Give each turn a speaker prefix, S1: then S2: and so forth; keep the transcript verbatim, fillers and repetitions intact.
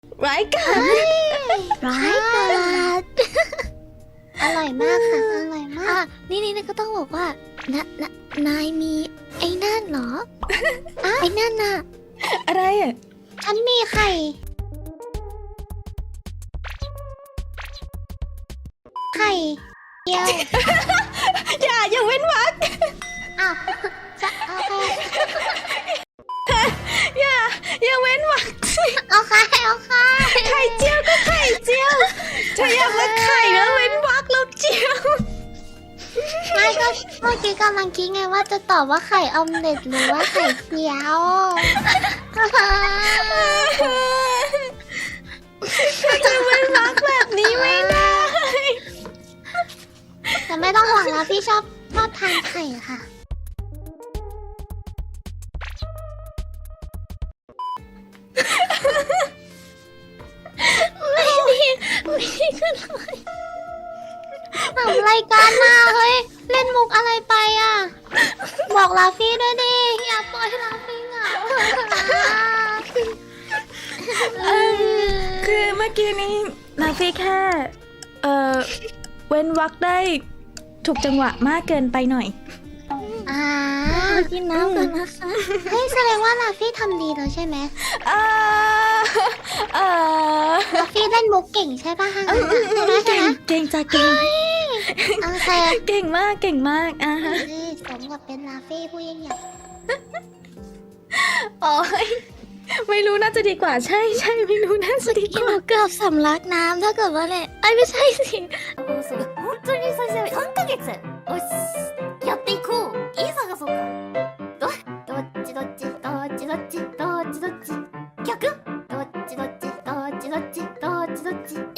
S1: ร้ายกาจ
S2: ร้ายกาจอร่อยมากค่ะอร่อยมากนี่นี่ก็ต้องบอกว่านะนะนายมีไอ้นั่นเหรอไอ้นั่นน่ะ
S1: อะไรอ่ะ
S2: ฉันมีไข่ไข่เดียว
S1: อย่าอย่าเว้นวรรค
S2: อ้าวจะโอเค
S1: อย่าอย่าเว้นวรรคสิ
S2: โอเคโอเค
S1: ไข่เจียวก็ไข่เจียวเธออยากมาไข่แล้วเว้นวรรคแล้วเจียว
S2: ไม่ก็เมื่อกี้กำลังคิดไงว่าจะตอบว่าไข่ออมเล็ตหรือว่าไข่เจียว
S1: จะเว้นวรรคแบบนี้ไม่ได้
S2: แต่ไม่ต้องห่วงนะพี่ชอบชอบทานไข่ค่ะไม่ดีไม่ดีขึ้นเลยทำรายการมาเฮ้ยเล่นมุกอะไรไปอ่ะบอกลาฟี่ด้วยดิอย่าปล่อยลาฟี่เหงา
S1: เอิ่มคือเมื่อกี้นี้นาฟีแค่เออเว้นวรรคได้ถูกจังหวะมากเกินไปหน่อย
S2: อ่ากินน้ำกันนะคะเฮ้ยแสดงว่าลาฟี่ทำดีแล้วใช่ไหม
S1: เออเออ
S2: ลาฟี่เล่นมุกเก่งใช่ป่ะฮะใช่ไหมใช่
S1: เก่
S2: ไห
S1: ง
S2: ม
S1: เก่งจ้ะเก่ง
S2: โอเค
S1: เก่งมากเก่งมากอ่ะฮะ
S2: นี่สมกับเป็นลาฟี่ผู้ยิ่งใหญ่
S1: โอ้ยไม่รู้น่าจะดีกว่าใช่ใช่ไม่รู้น่าจะดีก
S2: หนู
S1: ว่า
S2: เกือบสำลักน้ำถ้าเกิดว่าเนี่ยไอ้ยไม่ใช่สิ
S3: 本当に最初さんかげつおしやっていこういい探そうかどどっちどっちどっちどっちどっちどっち逆どっちどっちどっちどっちどっちどっち